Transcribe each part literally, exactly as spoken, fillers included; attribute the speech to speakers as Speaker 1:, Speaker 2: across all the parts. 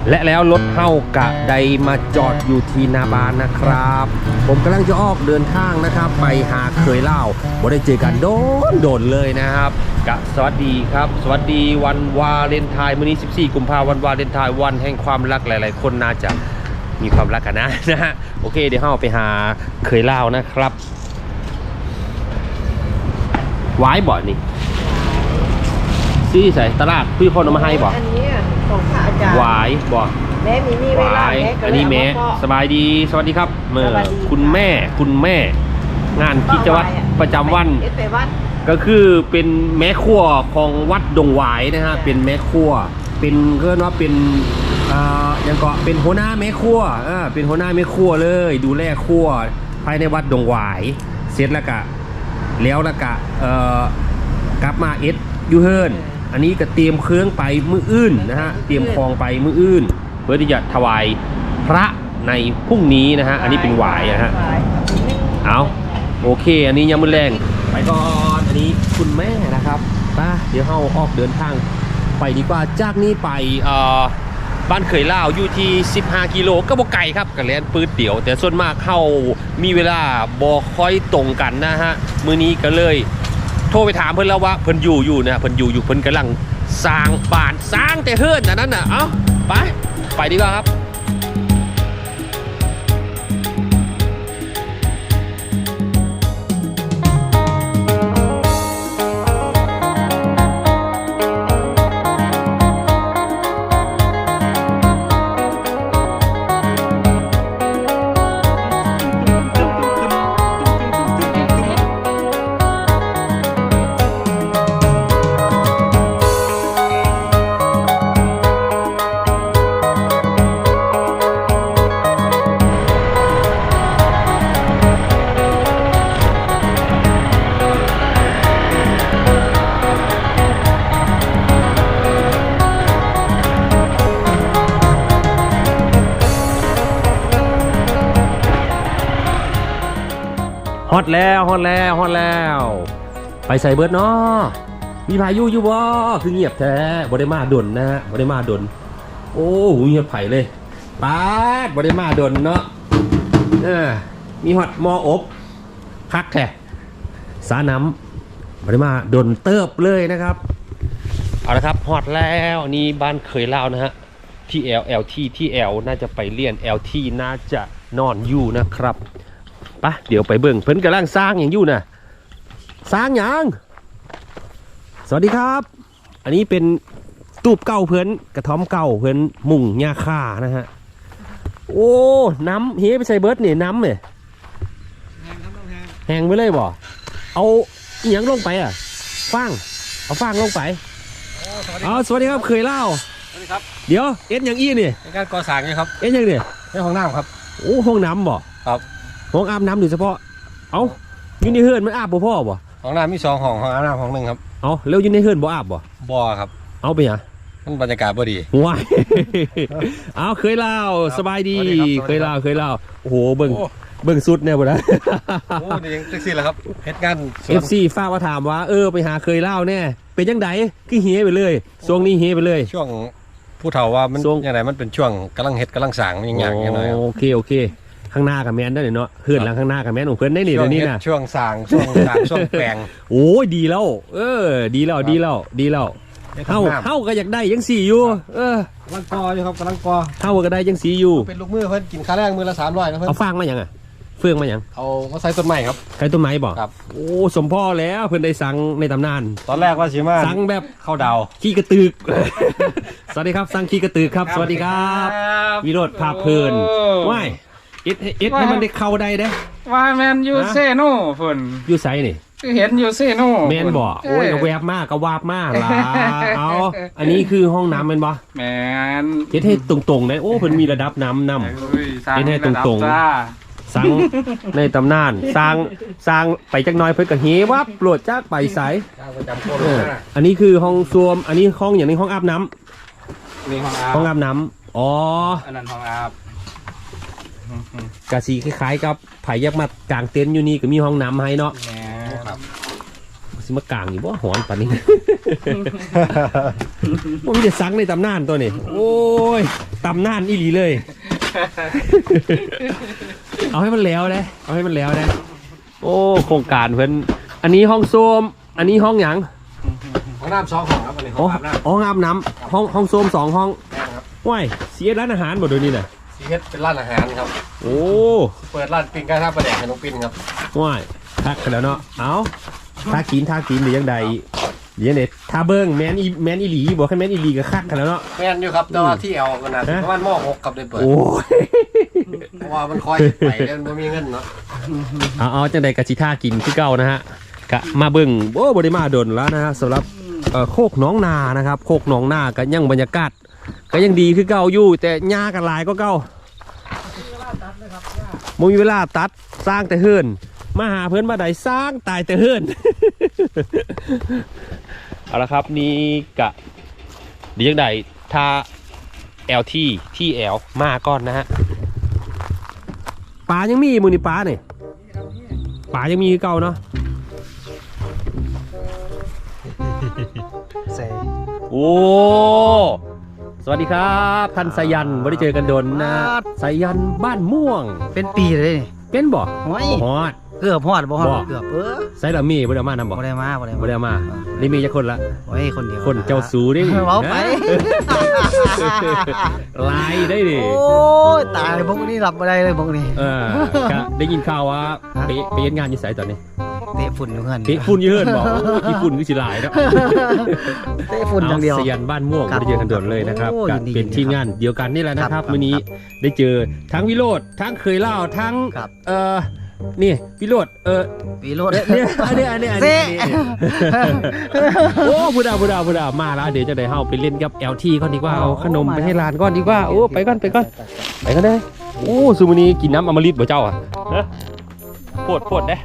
Speaker 1: และแล้วรถเฮากะไดมาจอดอยู่ที่นาบานนะครับผมกำลังจะออกเดินทางนะครับไปหาเคยเล่าบ่ได้เจอกันโดนโดนเลยนะครับกะสวัสดีครับสวัสดีวันวาเลนไทน์มื้อนี้สิบสี่กุมภาพันธ์วันวาเลนไทน์วันแห่งความรักหลายๆคนน่าจะมีความรักกันนะนะฮะโอเคเดี๋ยวเฮาไปหาเคยเล่านะครับไว้บ่อนี่ซื้อใส่ตลาดพี่คนเอามาให้บ่
Speaker 2: อันนี้ของพระอาจารย์
Speaker 1: หวายบ่
Speaker 2: แม่มีนี่เวลาแม่
Speaker 1: อันนี้แม่สบายดีสวัสดีครับเมื่อคุณแม่คุณแม่งานกิจวัตรประจำวันก็คือเป็นแม่ครัวของวัดดงหวายนะฮะเป็นแม่ครัวเป็นก็ว่าเป็นอ่าอย่างก็เป็นหัวหน้าแม่ครัวอ่าเป็นหัวหน้าแม่ครัวเลยดูแลครัวภายในวัดดงหวายเสร็จแล้วก็แล้วแล้วก็เอ่อกลับมาเอ็ดยูเฮิร์นอันนี้ก็เตรียมเครื่องไปมืออื่นนะฮะเตรียมคลองไปมืออื่นเพื่อที่จะถวายพระในพรุ่งนี้นะฮะอันนี้เป็นหวายนะฮะเอาโอเคอันนี้ยังมือแรงไปก่อนอันนี้คุณแม่นะครับป้าเดี๋ยวเราออกเดินทางไปดีกว่าจากนี้ไปเอ่อบ้านเขยล่าวอยู่ที่สิบห้ากิโลก็บ่ไกลครับกับแลนปืดเดี่ยวแต่ส่วนมากเข้ามีเวลาบ่ค่อยตรงกันนะฮะมื้อนี้ก็เลยโทรไปถามเพิ่นแล้วว่าเพิ่นอยู่อยู่นะเพิ่นอยู่อยู่เพิ่นกำลังสร้างบ้านสร้างแต่เฮิร์นอันนั้นน่ะเอ้าไปไปดีกว่าครับฮอตแล้วฮอตแล้วฮอตแล้วไปใส่เบิร์ดเนาะมีพายุอยู่บ่คือเงียบแท้บ่ได้มาดนนะฮะบ่ได้มาดนโอ้เงียบไผ่เลยป๊าดบ่ได้มาดนเนาะเออมีฮอตมออบคักแท้สาน้ำบ่ได้มาดนเติบเลยนะครับเอาละครับฮอตแล้วนี่บ้านเคยเล่านะฮะที่ L L T ที่ L น่าจะไปเรียน L T น่าจะนอนอยู่นะครับปะเดี๋ยวไปเบิ่งเพิ่นกำลังสร้างอย่างอยู่นะสร้างอย่างสวัสดีครับอันนี้เป็นตูบเก่าเพิ่นกระท่อมเก่าเพิ่นมุ่งหญ้าค่านะฮะโอ้น้ำเฮ้ไปใส่เบิร์ดเนี่ยน้ำเนี่ยแห้งไปเลยบ่เอาอีหยังลงไปอ่ะฟางเอาฟางลงไปอ๋อสวัสดีครับเคยเล่า
Speaker 3: สวัสดีครับ
Speaker 1: เดี๋ยวเอ็ดอย่างอี้เนี่ย
Speaker 3: เป็นการก่อสร้างนี่ครับ
Speaker 1: เอ็ดอย่างเนี่ย
Speaker 3: ในห้องน้ำครับ
Speaker 1: โอ้ห้องน้ำบ่
Speaker 3: ครับ
Speaker 1: ห้องอาบน้ำโดยเฉพาะเอาอยู่ในเฮือนมันอาบบ่พ่อบ่
Speaker 3: ห้องน้ำมีสองห้องห้องอาบน้ำห้องหนึ่งครับ
Speaker 1: เอาแล้วอยู่ในเฮือนบ่อาบบ่
Speaker 3: บ่ครับ
Speaker 1: เอาไปหยัง
Speaker 3: มันบรรยากาศบ่ดี
Speaker 1: ว้ายเอาเคยเล่าสบายดีเคยเล่าเคยเล่าโอ้โหเบิ่งเบิ่งสุดแน่บ่นะ
Speaker 3: โอ้นี่ยังแท็กซี่แล้วครับเฮ็ดงาน
Speaker 1: เอฟ ซี ฝากมาถามว่าเออไปหาเคยเล่าแน่เป็นจังไดคือเฮไปเลยช่วงนี้เฮไปเลย
Speaker 3: ช่วงผู้เฒ่าว่ามันยังไงมันเป็นช่วงกำลังเฮ็ดกำลังสร้างอย่างอย่างอย่างน้อย
Speaker 1: โอเคโอเคข้างหน้ากับแมนได้เนาะเพื่อนหลังข้างหน้ากับแมนของเพื่อนได้หนิเดี๋ยวนี้นะ
Speaker 3: ช่วงสร้างช่วงสร้างช่วงแปลง
Speaker 1: โอ้ยดีแล้วเออดีแล้วดีแล้วดีแล้วเฮาเฮาก็อยากได้ยังสี่อยู่เออก
Speaker 3: ำลังกออยู่ครับกำลังกอ
Speaker 1: เฮาก็ได้ยังสี่อยู่
Speaker 3: เป็นลูกมือเพิ่นกินค่าแรงมือละสามร้อยนะเพิ่น
Speaker 1: เอาฟางมาอย่างอ่ะเฟืองมาอย่าง
Speaker 3: เอามาใส่ต้นไม้ครับ
Speaker 1: ใส่ต้นไม้บ่
Speaker 3: ครับ
Speaker 1: โอ้สมพ่อแล้วเพิ่นได้สั่งในตำนาน
Speaker 3: ตอนแรกว่าสิมา
Speaker 1: สั่งแบบ
Speaker 3: ข้าวดาว
Speaker 1: ขี้กระตึกสวัสดีครับสั่งขี้กระตึกครับสวัสดีครับวิโรจน์ภาพเพลินว้ายเอ็ดเอ็ดให้มันได้เข้าได้เด้
Speaker 4: ว่าแมนยูเซโน่ฝน
Speaker 1: ยูไซนี่
Speaker 4: คือเห็นยูเซโน่
Speaker 1: แมนบ่โอ้ยก็แวบมากก็วาบมากล่ะเอาอันนี้คือห้องน้ำแมนบ่
Speaker 4: แมน
Speaker 1: เฮ็ดให้ตรงๆได้โอ้เพิ่นมีระดับน้ำนำเฮ็ดให้ตรงๆสั่งในตำนานสร้างสร้างไปจักหน่อยเพิ่นก็เฮวับโปรดจากไปไสอันนี้คือห้องส้วมอันนี้ห้องอย่างนี้ห้องอาบน้
Speaker 4: ำนี่ห้องอาบ
Speaker 1: ห้องอาบน้ำอ๋อ
Speaker 4: อันนั้นห้องอาบ
Speaker 1: กะสีคล้ายๆกับไผ่ยักษ์มากางเต็นท์อยู่นี่ก็มีห้องน้ำให้เนาะสิมากลางอยู่บ่หอนปานนี้ ผมจะซังในตำนานตัวนี้โอ้ยตำนานอีหลีเลย เอาให้มันแล้วเลยเอาให้มันแล้วเลยโอ้โครงการเพิ่นอันนี้ห้องโซมอันนี้ห้องหยัง
Speaker 3: ห้องน้ำสองห้องครับอันนี้ห้
Speaker 1: อ๋
Speaker 3: อ
Speaker 1: อง
Speaker 3: อาบน้ำ
Speaker 1: ห้องอาบน้ำห้องห้องโซมสองห้อง
Speaker 3: แม่ครับ
Speaker 1: ว้ายเสียร้านอาหารหมดเลยนี่น่ะ
Speaker 3: ซีเอสเป็นร้านอาหารครับ
Speaker 1: โอ้
Speaker 3: เปิดร้านปิ้งไก่ท่าประแดกให้น้องปิ้นครับ
Speaker 1: ว้ายทักกันแล้วเนาะเอาทากินทากินหรือยังใดเดี๋ยวเนี่ยทาเบิ้งแมนอีแมนอีหลีบอกให้แมนอีหลีก็คักกันแล้วเนาะ
Speaker 3: แม่นอยู่ครับแต่ว่าที่เอากันนะประมาณหม้อหกกับได้เปิด
Speaker 1: โอ้ย
Speaker 3: เพราะว่ามันคอยไปเล่นไม่มีเงินเนาะ
Speaker 1: เอาเอาจังใดกะชิท่ากินที่เก่านะฮะกะมาเบิ้งโอ้บริมาโดนแล้วนะฮะสำหรับเอ่อโคกหนองนานะครับโคกหนองนาก็ยังบรรยากาศก็ยังดีคือเก่าอยู่แต่หญ้ากันหลายก็เก่าบ่มีเวลาตัดสร้างแต่เฮือนมาหาเพื่อนมาใดสร้างตายแต่เฮือน เอาละครับนี่กะเดี๋ยวยังใดถ้า แอล ที ที่แอลมาก่อนนะฮะปลายังมีมือนี่ปลาเนี่ยปลายังมีคือเก่าเนาะ
Speaker 3: ใส่
Speaker 1: โอ้สวัสดีครับท่านสายันไม่ได้เจอกันโดนนะสายันบ้านม่วง
Speaker 5: เป็นปีเลยนี่
Speaker 1: เป็นบ่
Speaker 5: โอ้ย
Speaker 1: ฮอด
Speaker 5: เกือบพอดบ่ฮอด
Speaker 1: บ่
Speaker 5: เกือบเออ
Speaker 1: ไซรามีบ่ได้มานำบ่
Speaker 5: บ่ได้มาบ่ได้
Speaker 1: บ่
Speaker 5: มา
Speaker 1: ได้มานี่มีจักคนละ
Speaker 5: โอ้ยคนเดียว
Speaker 1: คนเจ้าสูดิ
Speaker 5: เว้าไป
Speaker 1: ลายได้ดิ
Speaker 5: โอ้ยตายพวกนี้รับบ่ได้เลยพวกนี้
Speaker 1: เออก็ได้ยินข่าวว่าไปไปเฮ็ดงานอยู่ไสตอนนี้
Speaker 5: เตะฝุ่นอยู่เฮือน
Speaker 1: เตะฝุ่นอยู่เฮือนบ่มีฝุ่นคือสิหลายเนาะ
Speaker 5: เตะฝุ่นอย่างเดียว
Speaker 1: สยันบ้านม่วง
Speaker 5: ครับ
Speaker 1: ไม่ได้เจอกันโดนเลยนะครับ
Speaker 5: โอ้
Speaker 1: ก็
Speaker 5: ยินดี
Speaker 1: เป็นทีม
Speaker 5: ครับ
Speaker 1: งานเดียวกันนี่แหละนะค
Speaker 5: ครั
Speaker 1: รับบ วันนี้
Speaker 5: ครับ
Speaker 1: ได้เจอทั้งวิโรธทั้งเคยเล่าทั้ง
Speaker 5: ครับ
Speaker 1: เอ่อนี่วิโรธเออ
Speaker 5: ปีโรด
Speaker 1: เนี่ยอันนี้อันนี้อันนี้
Speaker 5: เซ่
Speaker 1: อันนี้โอ้พุดาพุดาพุดามาแล้วเดี๋ยวจะได้เฮาไปเล่นกับ แอล ที ก่อนดีกว่าเอาขนมไปให้ร้านก่อนดีกว่าโอ้ไปก่อนไปก่อนไปกันเลยโอ้ซูมานีกินน้ำอมฤตบ่เจ้าอ่ะฮะโพดโพดเด้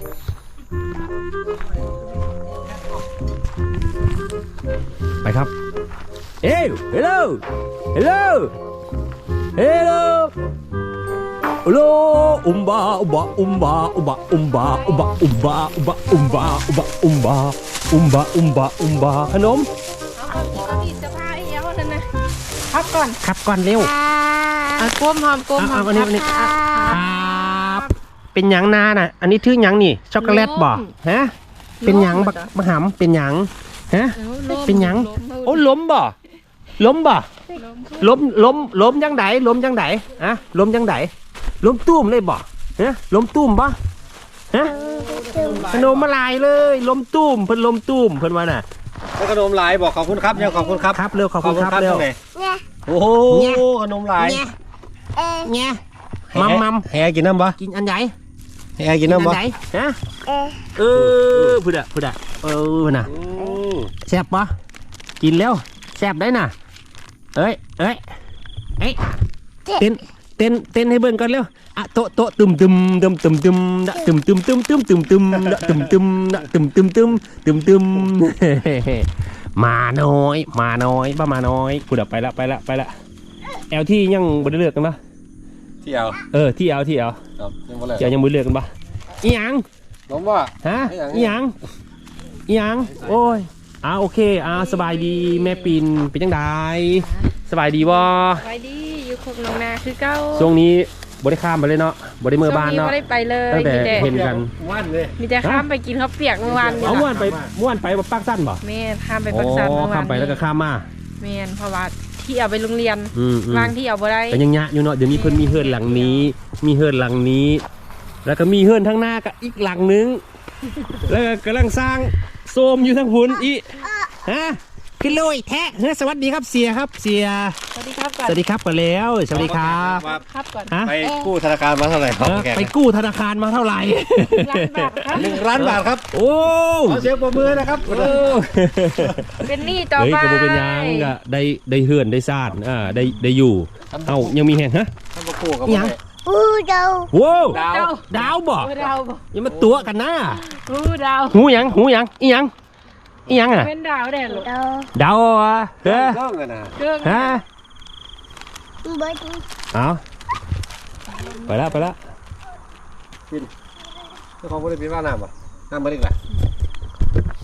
Speaker 1: ไปครับเอ้ยฮัลโหลฮัลโหลฮัลโหลฮัลโหลอุมบาอุบะอุมบาอุบะอุมบาอุบะอุมบาอุบะอุมบาอุบะอุมบาอุมบาอุมบาอุมบาขนม
Speaker 6: เอาเอาอีกจะพาไอ้เหี้ยวนั่นนะพักก่อน
Speaker 1: ขับก่อนเร็ว
Speaker 6: อ่ะก้มหอมก้มห
Speaker 1: เอา
Speaker 6: อม
Speaker 1: เอาอันนี้อันนี้ครับเป็นหยังนาน่ะ อันนี้ถือหยังนี่ช็อกโกแลตบ่ฮะเป็นหยังบักมะหำเป็นหยังฮะ เป็นหยัง โอ้ล้มบ่ล้มบ่ล้มล้มล้มยังไดล้มยังไดอะล้มยังไดล้มตุ้มเลยบ่ฮะล้มตุ้มบ่ฮะขนมมาลายเลยล้มตุ้มเพิ่นล้มตุ้มเพิ่นว่าน่ะ
Speaker 3: ขนมหลายบอกขอบคุณครับยังขอบคุณครับ
Speaker 1: ครับเร็วขอบคุณครับเร็ว
Speaker 3: ตงไหนโอ้โหขนมหลาย
Speaker 1: เนี่ยเนี่ยมัมมัม
Speaker 3: แฮกินน้ำปะ
Speaker 1: กินอันใหญ่
Speaker 3: แฮกินน้ำปะ
Speaker 1: อันไหนฮะเออพูดอะพูดอะเออน่ะแซ่บปะกินแล้วแซ่บได้น่ะเอ้ยเอ้ยเอ้ยเต้นเต้นเต้นให้เบิ่งก่อนเร็วอะโตะโตะตึมตึมตึมตึมตึมดะตึมตึมตึมตึมตึมตึมดะตึมตึมดะตึมตึมตึมตึมตึมมาน้อยมาน้อยบ้ามาน้อยพูดอะไปละไปละไปละแอลที่ยังบ่ได้เลือกกันปะ
Speaker 3: ที่เอา
Speaker 1: เออที่เอาที่เอา
Speaker 3: ครับยังบ่เลย
Speaker 1: เจ้ายังบ่ได้เลือกกันปะอีหยัง
Speaker 3: ผมว่า
Speaker 1: ฮะ
Speaker 3: อีหยัง
Speaker 1: อีหยังอีหยังโอ้ยอ่าโอเคอ่าสบายดีแม่ปิ่นเป็นจังไดสบายดีบ่
Speaker 6: ไว้ดีอยู่คงนองนาคือเก้า
Speaker 1: ช่วงนี้บ่ได้ข้ามไปเลยเนาะบ่ได้เมื่อบ้านเนาะ
Speaker 6: ช่วงไม่ได้ไปเลย
Speaker 1: ตั้งแต่
Speaker 6: มีแต่
Speaker 1: เห็นกัน
Speaker 3: ว่านเลย
Speaker 6: มีแต่ข้ามไปกินข้าวเปียกเมื่อวานนี่
Speaker 1: เอา
Speaker 6: ล่ะ
Speaker 1: ม่วนไปม่วนไปบ่ปักสั้นบ่
Speaker 6: แม่ข้ามไป
Speaker 1: อ๋
Speaker 6: ปักสันเมื่
Speaker 1: อ
Speaker 6: อวาน
Speaker 1: ข้ามไปแล้วก็ข้ามมา
Speaker 6: แม่นเพราะว่าที่เอาไปโรงเรียน
Speaker 1: อืมๆ
Speaker 6: วางที่เอาบ่ได้
Speaker 1: แต่ยังยะอยู่เนาะเดี๋ยวนี้เพิ่นมีเฮือนหลังนี้ มีเฮือนหลังนี้ แล้วก็มีเฮือนทางหน้าก็อีกหลังนึงแล้วก็กำลังสร้างโซมอยู่ทางพุ่นอีฮะขึ้นเลยแท้เฮ้ยสวัสดีครับเสียครับเสีย
Speaker 6: สวัสดีครับก่อน
Speaker 1: สวัสดีครับก่อนแล้วสวัสดีครับ
Speaker 6: ครับก่อน
Speaker 1: ฮะ
Speaker 3: ไปกู้ธนาคารมาเท่าไหร่ครับ
Speaker 1: เออ
Speaker 3: แก
Speaker 1: ไปกู้ธนาคารมาเท่าไหร่
Speaker 6: ล้านบาทครับ
Speaker 3: หนึ่งล้านบาทครับ
Speaker 1: โอ้
Speaker 3: ขอเสียงปรบมือนะครับ
Speaker 1: โอ้
Speaker 6: เป็นหนี้ต่อ
Speaker 1: เฮ้ย
Speaker 6: ไป
Speaker 1: กระโบเป็นหยังก็ได้ได้เฮือนได้ซ่านอ่าได้ได้อยู่เอ้ายังมีแห่งฮะ
Speaker 3: ท่านมากู้กับ
Speaker 1: อิหยัง
Speaker 6: อู้ดาว
Speaker 1: ว้าว
Speaker 3: ดาว
Speaker 6: ดาว
Speaker 1: ดาวบ่
Speaker 6: อู้ดาวบ่
Speaker 1: อยังมาตัวกันนะ
Speaker 6: อู้ดาว
Speaker 1: หูหยังหูหยังอีหยังอีหยังอ่ะ
Speaker 6: เป็นดาวแดงลูก
Speaker 1: ดาวอ่ะเฮ้ย
Speaker 3: เรื่องกันนะ
Speaker 6: เครื่อง
Speaker 1: ฮะเอาไปละไปละ
Speaker 3: เจ้าของบริษัทว่าน้ำปะน้ำมาดิกแหละ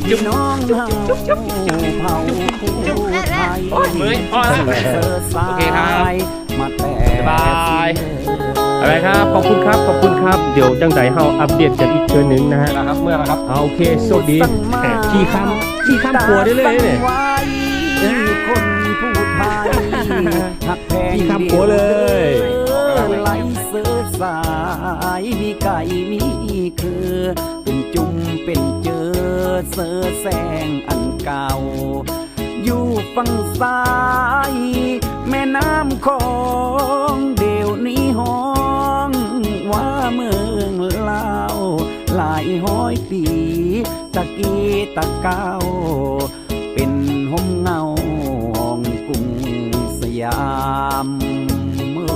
Speaker 6: พี่น้องเฮาเผาผู้ไทย
Speaker 1: โอ้ยเมื่อยพอแล้ว
Speaker 6: เสิร์ฟสา
Speaker 1: โอเคครับ
Speaker 6: ยมาแต่
Speaker 1: บ๊ายบาย อะไรครับ ขอบคุณครับ ขอบคุณครับ เดี๋ยวจังใจเฮาอัปเดตกันอีกเทื่อนึงนะฮะ
Speaker 3: นะครับเมื่อแล้วครับ
Speaker 1: เอาโอเคโชคดีแหมขี่ข้ามขี่ข้ามครัวได้เลยเนี่ย
Speaker 6: คนผู้ไทยหักแพง
Speaker 1: ขี่ข้ามครัวเลย
Speaker 6: ไหลเสือสายมีไก่มีคือเป็นจุ่มเป็นเจอเสือแสงอันเก่า อยู่ฝั่งซ้าย แม่น้ำของเดี๋ยวนี้ห้องว่าเมืองลาวหลายห้อยปีตะกี้ตะเก้าเป็นห่มเงาห้องกรุงสยามเมื่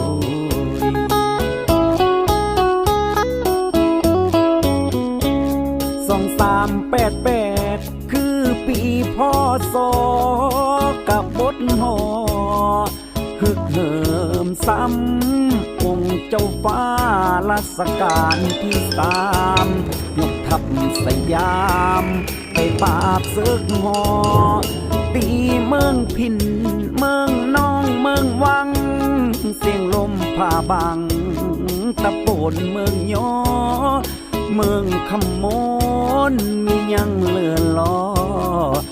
Speaker 6: สองสามแปดแปดคือปีพศกับบทหอฮึกเหิมซ้ำองค์เจ้าฟ้ารัชกาลที่สามยกทัพสยามไปปราบศึกหอตีเมืองพินเมืองน้องเมืองวังเสียงลมผ่าบังตะโปนเมืองยอเมืองขมนมียังเหลือล้อ